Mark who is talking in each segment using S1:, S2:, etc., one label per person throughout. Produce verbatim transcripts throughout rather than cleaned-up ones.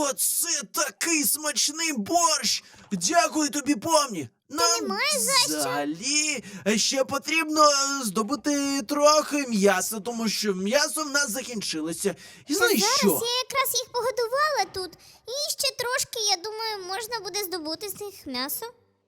S1: Оце такий смачний борщ! Дякую тобі, помні! Нам
S2: немає за що.
S1: взагалі ще потрібно е, здобути трохи м'яса, тому що м'ясо в нас закінчилося. І знаєш
S2: Зараз
S1: що?
S2: я якраз їх погодувала тут. І ще трошки, я думаю, можна буде здобути з них м'ясо.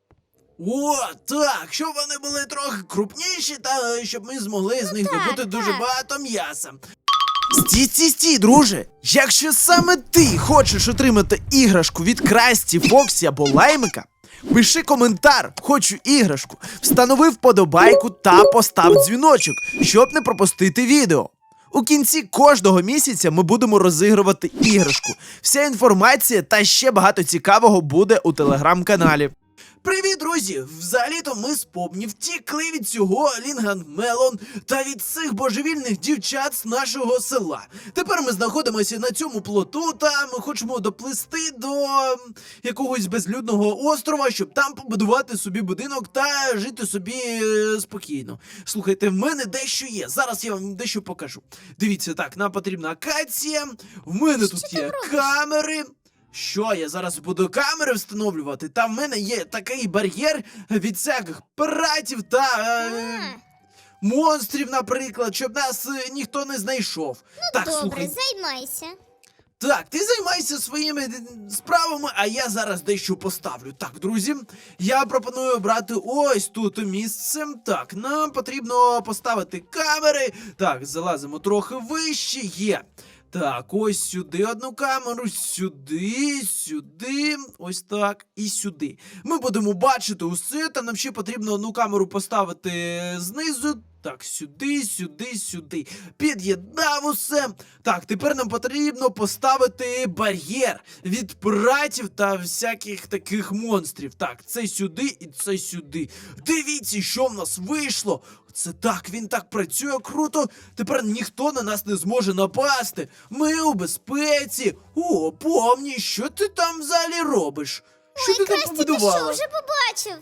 S1: О, так, щоб вони були трохи крупніші, та е, щоб ми змогли з них
S2: так,
S1: добути дуже
S2: так.
S1: багато м'яса. Стій, стій, стій, друже! Якщо саме ти хочеш отримати іграшку від Красті, Фоксі або Лаймика, пиши коментар «Хочу іграшку», встанови вподобайку та постав дзвіночок, щоб не пропустити відео. У кінці кожного місяця ми будемо розігрувати іграшку. Вся інформація та ще багато цікавого буде у телеграм-каналі. Привіт, друзі! Взагалі-то ми з Помні втікли від цього Лінган-Мелон та від цих божевільних дівчат з нашого села. Тепер ми знаходимося на цьому плоту та ми хочемо доплисти до м, якогось безлюдного острова, щоб там побудувати собі будинок та жити собі е, спокійно. Слухайте, в мене дещо є. Зараз я вам дещо покажу. Дивіться, так, нам потрібна акація, в мене тут
S2: ти
S1: є
S2: там робиш?
S1: камери. Що, я зараз буду камери встановлювати? Там в мене є такий бар'єр від всяких пиратів та е,
S2: А,
S1: монстрів, наприклад, щоб нас е, ніхто не знайшов. так,
S2: добре,
S1: слухай,
S2: займайся.
S1: так, ти займайся своїми е, справами, а я зараз дещо поставлю. Так, друзі, я пропоную обрати ось тут місце. Так, нам потрібно поставити камери. Так, залазимо трохи вище, є. Так, ось сюди одну камеру, сюди, сюди, ось так і сюди. Ми будемо бачити усе, та нам ще потрібно одну камеру поставити знизу. Так, сюди, сюди, сюди. Під'єднав усе. Так, тепер нам потрібно поставити бар'єр від пиратів та всяких таких монстрів. Так, це сюди і це сюди. Дивіться, що в нас вийшло. Це так, він так працює круто. Тепер ніхто на нас не зможе напасти. Ми у безпеці. О, помні, що ти там взагалі робиш? Що
S2: Ой,
S1: ти там
S2: Красті, ти
S1: побудувала?
S2: що, вже побачив?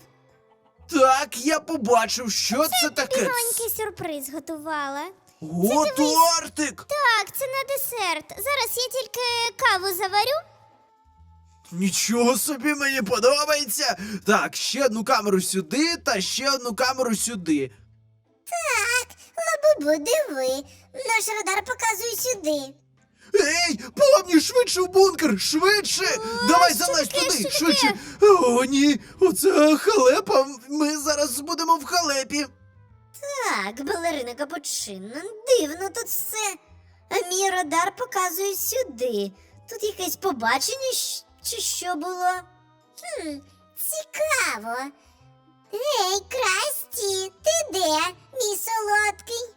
S1: Так, я побачив, що це, таке.
S2: Бігонький сюрприз готувала.
S1: О, тортик!
S2: Так, це на десерт. Зараз я тільки каву заварю.
S1: Нічого собі, мені подобається. Так, ще одну камеру сюди та ще одну камеру сюди.
S2: Лабубу, диви. Наш радар показує сюди.
S1: Ей, помні, швидше в бункер, швидше! Давай
S2: що
S1: залазь
S2: таке,
S1: туди,
S2: що
S1: швидше! О, ні, оце халепа, ми зараз будемо в халепі.
S2: Так, балерина Капучино, дивно тут все. А мій радар показує сюди. Тут якесь побачення щ- чи що було? Хм, цікаво. Ей, Красті, ти де, мій солодкий?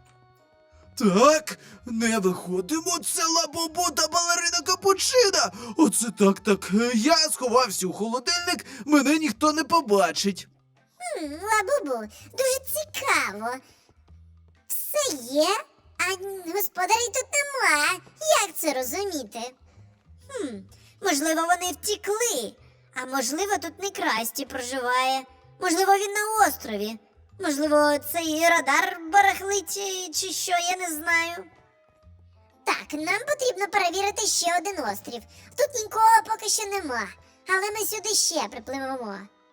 S1: Так, не виходимо, це Лабубу та балерина Капучина. Оце так, так, е, я сховався у холодильник, мене ніхто не побачить.
S2: Хм, Лабубу, дуже цікаво. Все є, а господарів тут нема. Як це розуміти? Хм, можливо, вони втікли, а можливо, тут не Красті проживає. Можливо, він на острові. Можливо, цей радар барахлить чи, чи що, я не знаю. Так, нам потрібно перевірити ще один острів. Тут нікого поки що нема, але ми сюди ще припливемо.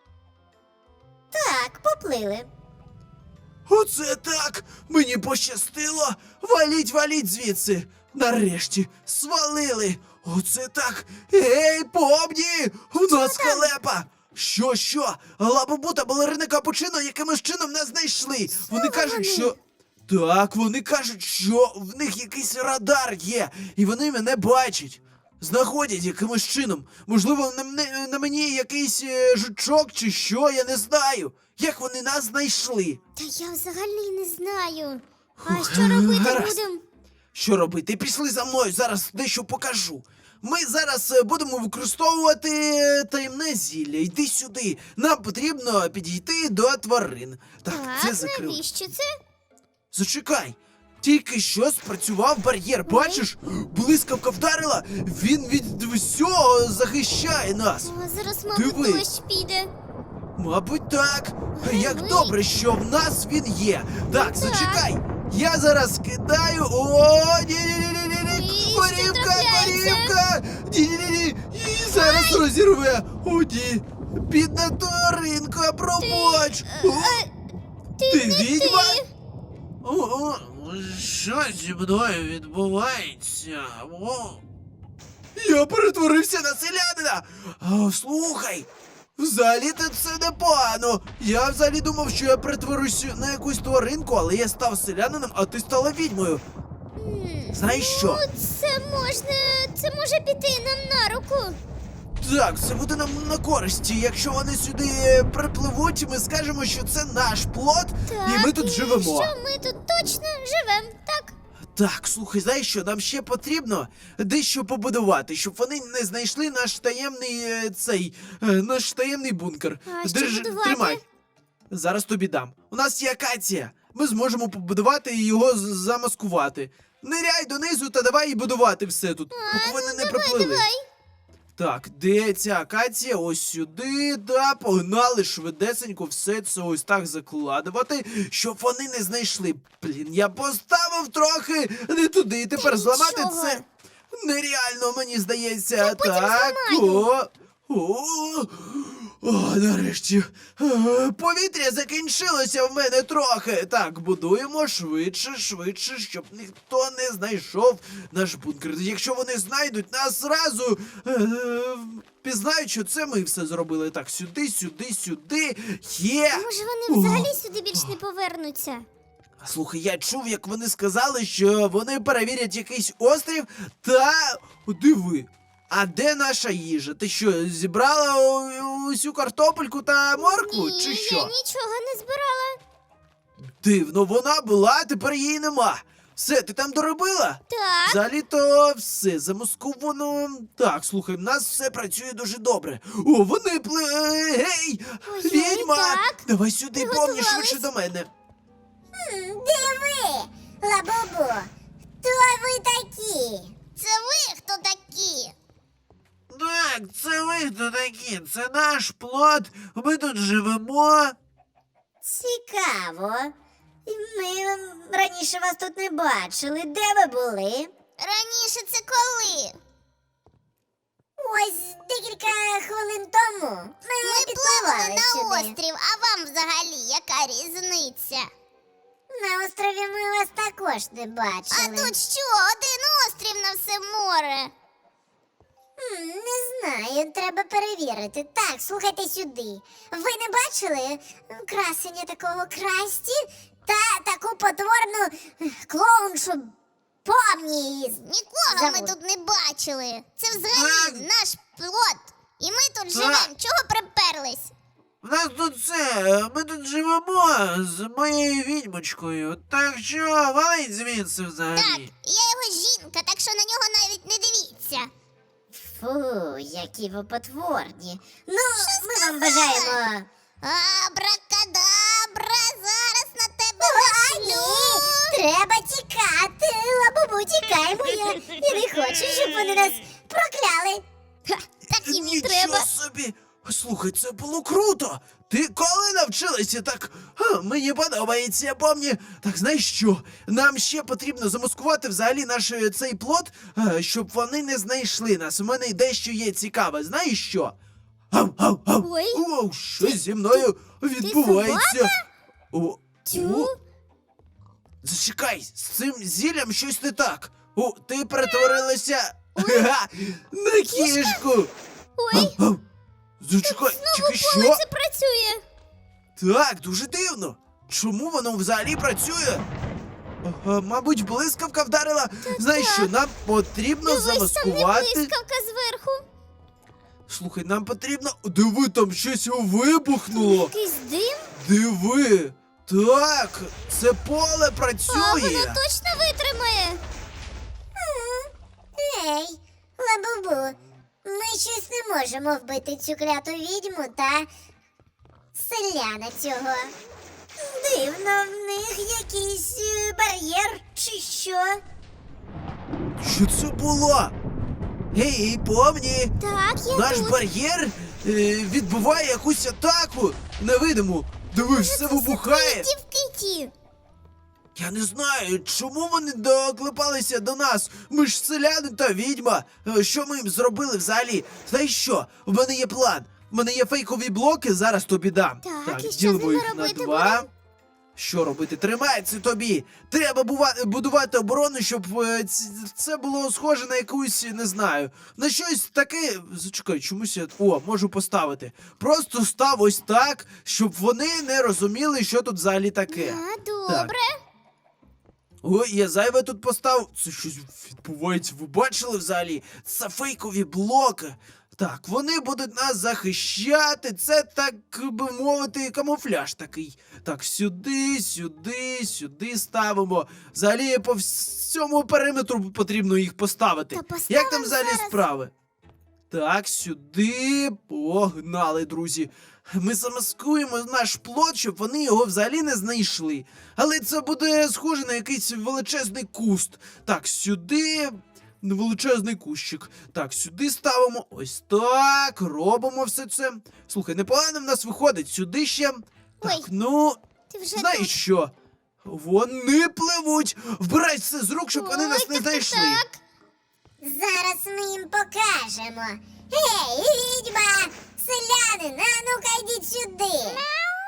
S2: Так, поплили.
S1: Оце так, мені пощастило. Валіть, валіть звідси. Нарешті свалили. Оце так. Ей, помні, у нас халепа. Що, що? Лабубу та балерина Капучино якимось чином нас знайшли. Вони кажуть,
S2: вони?
S1: що... Так, вони кажуть, що в них якийсь радар є, і вони мене бачать. Знаходять якимось чином. Можливо, на, мене- на мені якийсь е, жучок чи що, я не знаю. Як вони нас знайшли?
S2: Та я взагалі не знаю. А
S1: Фух,
S2: що робити
S1: гаразд.
S2: будемо?
S1: Що робити? Пішли за мною, зараз дещо покажу. Ми зараз е, будемо використовувати е, таємне зілля. Йди сюди. Нам потрібно підійти до тварин. Так, це закрив.
S2: навіщо це?
S1: Зачекай. Тільки що спрацював бар'єр, бачиш? Блискавка вдарила, він від всього захищає нас.
S2: О, зараз, мабуть,
S1: Диви.
S2: дощ піде.
S1: Мабуть, так.
S2: Диви.
S1: Як добре, що в нас він є. Так,
S2: так.
S1: зачекай. Я зараз кидаю. О, ні-ні-ні-ні-ні.
S2: Ні, що
S1: Корівка,
S2: трапляється?
S1: корівка. Ні-ні-ні. Зараз розірве. О, ні. Бідна тваринка, пробач. О,
S3: Ти,
S1: ти
S3: не
S1: відьма?
S3: ти.
S1: О, о, що зі мною відбувається? О. Я перетворився на селянина. А, слухай, взагалі-то це непогано. Я взагалі думав, що я перетворюся на якусь тваринку, але я став селянином, а ти стала відьмою.
S3: М,
S1: Знаєш що?
S3: Ну, це можна. Це може піти нам на руку.
S1: Так, це буде нам на користі. Якщо вони сюди е, припливуть, ми скажемо, що це наш плот,
S3: Так,
S1: і ми тут живемо.
S3: Що ми тут точно живемо, так?
S1: Так, слухай, знаєш що, нам ще потрібно дещо побудувати, щоб вони не знайшли наш таємний е, цей е, наш таємний бункер.
S3: А що будувати?
S1: Тримай. Зараз тобі дам. У нас є акація. Ми зможемо побудувати і його з- замаскувати. Ниряй донизу та давай і будувати все тут, поки вони не приплили.
S3: ну, Давай.
S1: Так, де ця акація? Ось сюди, да, погнали швидесенько все це ось так закладувати, щоб вони не знайшли. Блін, я поставив трохи не туди, і тепер
S3: Та
S1: зламати
S3: нічого.
S1: це нереально, мені здається.
S3: потім
S1: Так,
S3: зламаю.
S1: о, о, о, нарешті. Е, Повітря закінчилося в мене трохи. Так, будуємо швидше, швидше, щоб ніхто не знайшов наш бункер. Якщо вони знайдуть нас зразу, е, пізнають, що це ми все зробили. Так, сюди, сюди, сюди. Є!
S3: Може вони
S1: О.
S3: взагалі сюди більш не повернуться?
S1: Слухай, я чув, як вони сказали, що вони перевірять якийсь острів та диви. А де наша їжа? Ти що, зібрала у- усю картопельку та моркву,
S3: Ні,
S1: чи що?
S3: я нічого не збирала.
S1: Дивно, вона була, а тепер її нема. Все, ти там доробила?
S3: Так.
S1: Взагалі-то все замасковано. Так, слухай, в нас все працює дуже добре. О, вони пли... е, Гей!
S3: Ой-ой,
S1: Відьма!
S3: так.
S1: Давай сюди, помні,
S3: Приготувались.
S1: швидше до мене.
S2: М, Диви, Лабубу, хто ви такі?
S3: Це ви хто такі?
S1: Так, це ви хто такі? Це наш плот. Ми тут живемо.
S2: Цікаво. Ми раніше вас тут не бачили. Де ви були?
S3: Раніше це коли?
S2: Ось декілька хвилин тому. Ми,
S3: Ми
S2: підпливали
S3: пливли на
S2: сюди.
S3: острів, а вам взагалі яка різниця?
S2: На острові ми вас також не
S3: А
S2: бачили.
S3: тут що, один острів на все море?
S2: М, Не знаю, треба перевірити. Так, слухайте сюди. Ви не бачили красення такого красті та таку потворну ех, клоуншу помні її.
S3: Нікого ми
S2: Забудь.
S3: тут не бачили. Це взагалі
S1: Так.
S3: наш плот. І ми тут
S1: Так.
S3: живемо. Чого приперлись?
S1: В нас тут все, ми тут живемо з моєю відьмочкою. Так що валить звідси взагалі.
S3: Так, я його жінка, так що на нього навіть не дивіться.
S2: Фу, які ви потворні. Ну, ми вам бажаємо.
S3: Абракадабра, зараз на тебе
S2: А,
S3: нашлю.
S2: ні, треба тікати. Лабубу, тікаймо. Я, я не хочу, щоб вони нас прокляли.
S3: Ха, так їм і
S1: Нічого
S3: треба.
S1: собі! Слухай, це було круто! Ти коли навчилася так? Ха, мені подобається, помні. Так знаєш що? Нам ще потрібно замаскувати взагалі наш е, цей плот, е, щоб вони не знайшли нас. У мене дещо є цікаве. Знаєш що? Ау, ау, ау.
S3: Ой.
S1: Оу, що зі мною відбувається? О,
S3: Тю.
S1: о, зачекай, з цим зіллям щось не так. О, ти перетворилася ха, на кішку.
S3: Ой,
S1: Ау, ау. Зачекай, чекай, що?
S3: коли це працює?
S1: Так, дуже дивно. Чому воно взагалі працює? Ага, мабуть, блискавка вдарила. Знаєш що, нам потрібно
S3: Дивись, там не
S1: замаскувати.
S3: блискавка зверху.
S1: Слухай, нам потрібно. Диви, там щось вибухнуло.
S3: Якийсь дим?
S1: Диви. Так, це поле
S3: А
S1: працює.
S3: воно точно витримає.
S2: Ей, Лабубу, ми щось не можемо вбити цю кляту відьму та селяна цього. Дивно, в них якийсь е, бар'єр чи що.
S1: Що це було? Гей, помні,
S3: Так, я
S1: наш
S3: тут.
S1: бар'єр е, відбуває якусь атаку невидиму. Диви, все вибухає.
S3: Дівки ті.
S1: Я не знаю, чому вони доклепалися до нас. Ми ж селяни та відьма. Е, Що ми їм зробили взагалі? Знаєш що? У мене є план. У мене є фейкові блоки, зараз тобі дам.
S3: Так, і що з
S1: ділимо
S3: ними
S1: їх на
S3: робити
S1: два.
S3: будемо?
S1: Що робити? Тримай це тобі. Треба бува- будувати оборону, щоб е, ц- це було схоже на якусь, не знаю, на щось таке. Зачекай, чомусь я. О, можу поставити. Просто став ось так, щоб вони не розуміли, що тут взагалі таке.
S3: А, добре.
S1: Ой, я зайве тут поставив. Це щось відбувається. Ви бачили взагалі? Це фейкові блоки. Так, вони будуть нас захищати. Це, так би мовити, камуфляж такий. Так, сюди, сюди, сюди ставимо. Взагалі по всьому периметру потрібно їх поставити.
S3: Та поставимо
S1: Як там взагалі
S3: зараз.
S1: справи? Так, сюди. Погнали, друзі. Ми замаскуємо наш плот, щоб вони його взагалі не знайшли. Але це буде схоже на якийсь величезний куст. Так, сюди. Величезний кущик. Так, сюди ставимо. Ось так. Робимо все це. Слухай, непогано в нас виходить. Сюди ще. Так,
S3: Ой,
S1: ну.
S3: Ти вже
S1: Знаєш
S3: тут.
S1: що? Вони пливуть. Вбирай все з рук, щоб вони
S3: Ой,
S1: нас
S3: так,
S1: не
S3: так,
S1: знайшли.
S3: так.
S2: Зараз ми їм покажемо. Гей, відьма! Селянин, а ну-ка йдіть сюди.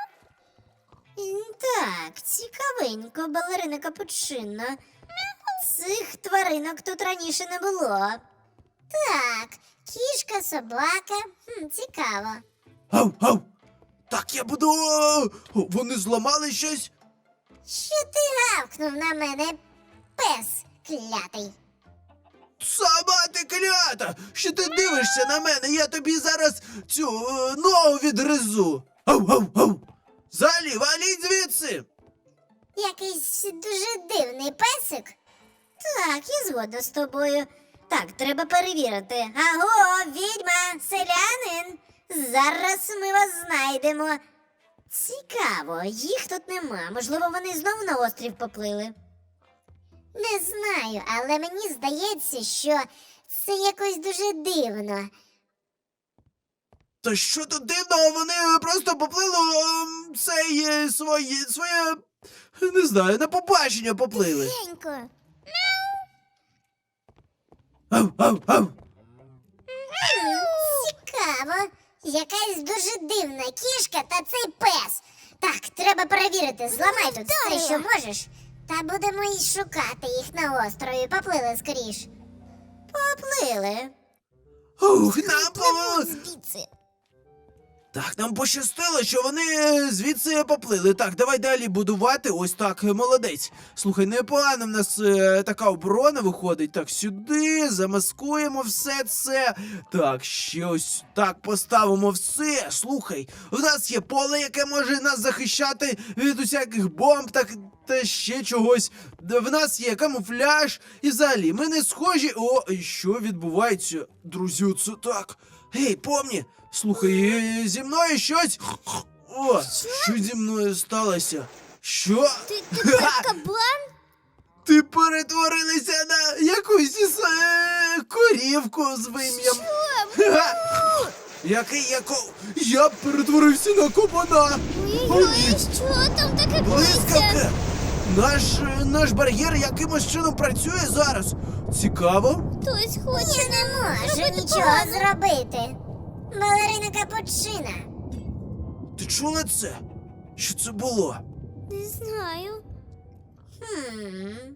S4: М, Так, цікавенько, балерина капучино. Цих тваринок тут раніше не було.
S2: Так, кішка, собака. Хм, цікаво.
S1: Ау, ау. Так, я буду. О, вони зламали щось.
S2: Що ти гавкнув на мене, пес клятий?
S1: Сама ти клята! Що ти дивишся на мене? Я тобі зараз цю е, ногу відгризу. Ау, ау, ау! Залі, валіть звідси!
S2: Якийсь дуже дивний песик.
S4: Так, я згодна з тобою. Так, треба перевірити. Аго, відьма, селянин! Зараз ми вас знайдемо. Цікаво, їх тут нема. Можливо, вони знову на острів поплили.
S2: Не знаю, але мені здається, що це якось дуже дивно.
S1: Та що тут дивного? Вони просто поплили ем, цей е, своє, своє, не знаю, на побачення поплили.
S3: Тихенько.
S1: Ау, ау, ау!
S2: Цікаво. Якась дуже дивна кішка та цей пес. Так, треба перевірити. Зламай тут все,
S3: вдарила.
S2: що можеш. Та будемо й шукати їх на острові. Поплили скоріш.
S4: Поплили.
S1: Ух, нам по...
S3: Звідси.
S1: Так, нам пощастило, що вони е, звідси поплили. Так, давай далі будувати. Ось так, е, молодець. Слухай, непогано в нас е, така оборона виходить. Так, сюди замаскуємо все це. Так, ще ось так поставимо все. Слухай, в нас є поле, яке може нас захищати від усяких бомб, так та ще чогось. Д- В нас є камуфляж. І взагалі, ми не схожі. О, і що відбувається? Друзі, це так. Гей, помні, слухай, е, зі мною щось. О, що зі мною сталося? Що?
S3: Ти тепер кабан?
S1: Ти перетворилася на якусь із, е, корівку з вим'ям. Ха! Який яко. Я перетворився на кабана.
S3: Ой-ой, що там таке
S1: Блискавка!
S3: коїться?
S1: Наш, е, наш бар'єр якимось чином працює зараз. Цікаво.
S3: Хтось хоче
S2: Я не можу
S3: зробити
S2: нічого
S3: погано.
S2: зробити. Балерина капучина.
S1: Ти чула це? Що це було?
S3: Не знаю.
S2: Хм.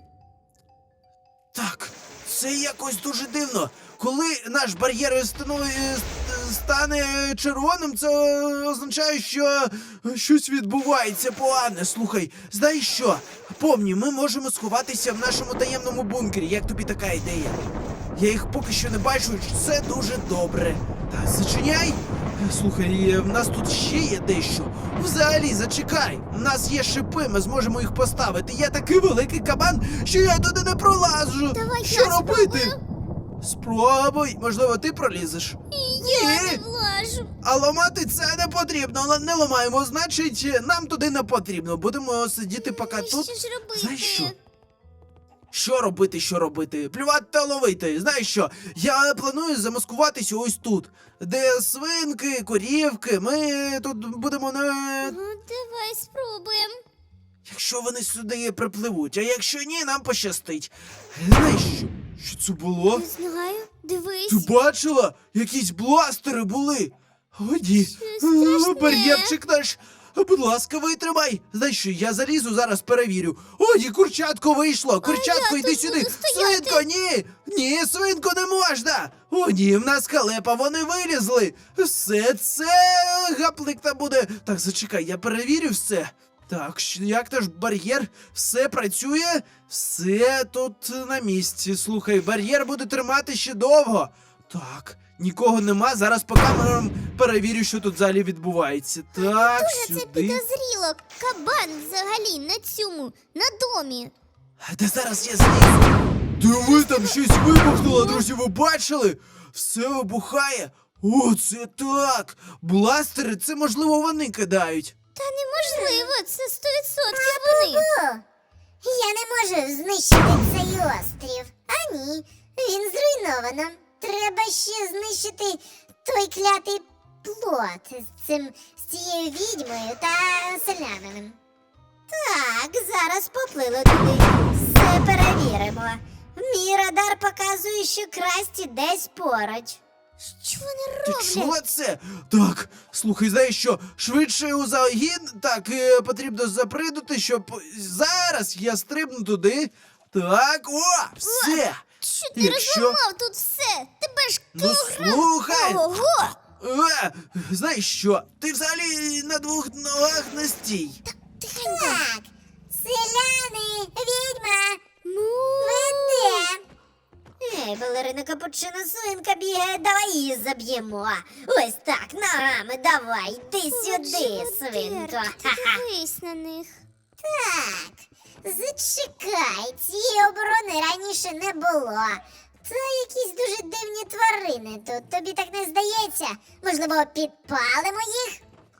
S1: Так, це якось дуже дивно. Коли наш бар'єр станови- е, ст- стане червоним, це означає, що щось відбувається погане. Слухай, знаєш що? Помні, ми можемо сховатися в нашому таємному бункері. Як тобі така ідея? Я їх поки що не бачу, і це дуже добре. Так, зачиняй. Слухай, е, в нас тут ще є дещо. Взагалі, зачекай. У нас є шипи, ми зможемо їх поставити. Я такий великий кабан, що я туди не пролажу.
S3: Давай
S1: що
S3: я
S1: робити?
S3: спробую.
S1: Спробуй, можливо, ти пролізеш.
S3: Я
S1: Ні.
S3: не влажу.
S1: А ламати це не потрібно. Але не ламаємо, значить, нам туди не потрібно. Будемо сидіти поки
S3: Ну,
S1: тут.
S3: Що ж робити?
S1: Знаєш що? Що робити, що робити? Плювати та ловити. Знаєш що? Я планую замаскуватися ось тут, де свинки, корівки. Ми тут будемо не.
S3: Ну, давай спробуємо.
S1: Якщо вони сюди припливуть, а якщо ні, нам пощастить. Знаєш що? Що це було?
S3: Не знаю, дивись.
S1: Ти бачила? Якісь бластери були. Годі,
S3: страшне.
S1: бар'єрчик наш. Будь ласка, витримай. Знаєш що, я залізу, зараз перевірю. Оді, курчатко вийшло. Курчатко,
S3: я
S1: йди
S3: тут
S1: сюди.
S3: буду стояти.
S1: Свинко, ні. Ні, свинко, не можна. О, ні, в нас халепа, вони вилізли. Все це гаплик там буде. Так, зачекай, я перевірю все. Так, щ- як наш бар'єр? Все працює? Все тут на місці. Слухай, бар'єр буде тримати ще довго. Так, нікого нема. Зараз по камерам перевірю, що тут взагалі відбувається. Так,
S3: Дуже це
S1: сюди.
S3: підозріло. Кабан взагалі на цьому, на домі.
S1: Де зараз я злізу? Диви, там щось вибухнуло, друзі, ви бачили? Все вибухає. О, це так. Бластери, це можливо вони кидають.
S3: Та неможливо, це сто відсотків вони.
S2: О, я не можу знищити цей острів. А ні, він зруйновано. Треба ще знищити той клятий плот з цим з цією відьмою та селянином.
S4: Так, зараз поплили туди. Все перевіримо. Мій радар показує, що Красті десь поруч.
S3: Що вони
S1: Ти
S3: роблять?
S1: чула це? Так, слухай, знаєш що? Швидше у загін, так, е, потрібно запридути, щоб зараз я стрибну туди. Так, о, все.
S3: Що ти
S1: Якщо-
S3: розламав тут все? Тебе ж
S1: Ну
S3: кілограм.
S1: слухай.
S3: Ого!
S1: Е, знаєш що? Ти взагалі на двох ногах не стій.
S3: Тихенько.
S2: Так, селяни, відьма,
S3: Ну,
S2: ви де?
S4: Ей, балерина капучино, свинка бігає, давай її заб'ємо. Ось так, ногами, давай, йди сюди, свинко. Ха-ха.
S3: Дивись на них.
S2: Так, зачекай, цієї оборони раніше не було. Це якісь дуже дивні тварини тут. Тобі так не здається? Можливо, підпалимо їх?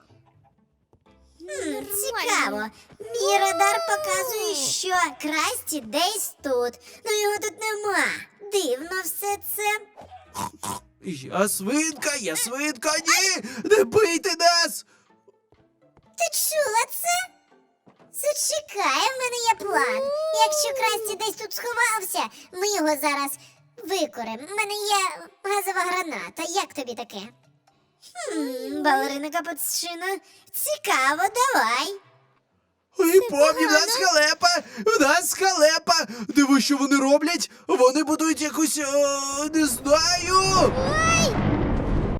S4: Хм, цікаво. Мій радар показує, що Красті десь тут. Ну його тут нема. Дивно все це.
S1: Я свинка, я свинка, ні! Не бийте нас!
S2: Ти чула це? Зачекай, в мене є план. Якщо Красті десь тут сховався, ми його зараз викоримо. В мене є газова граната. Як тобі таке?
S4: Хм, балерина капучино, цікаво, давай.
S1: Ой, помні, в нас халепа! В нас халепа! Диви, що вони роблять? Вони будують якусь, о, не знаю!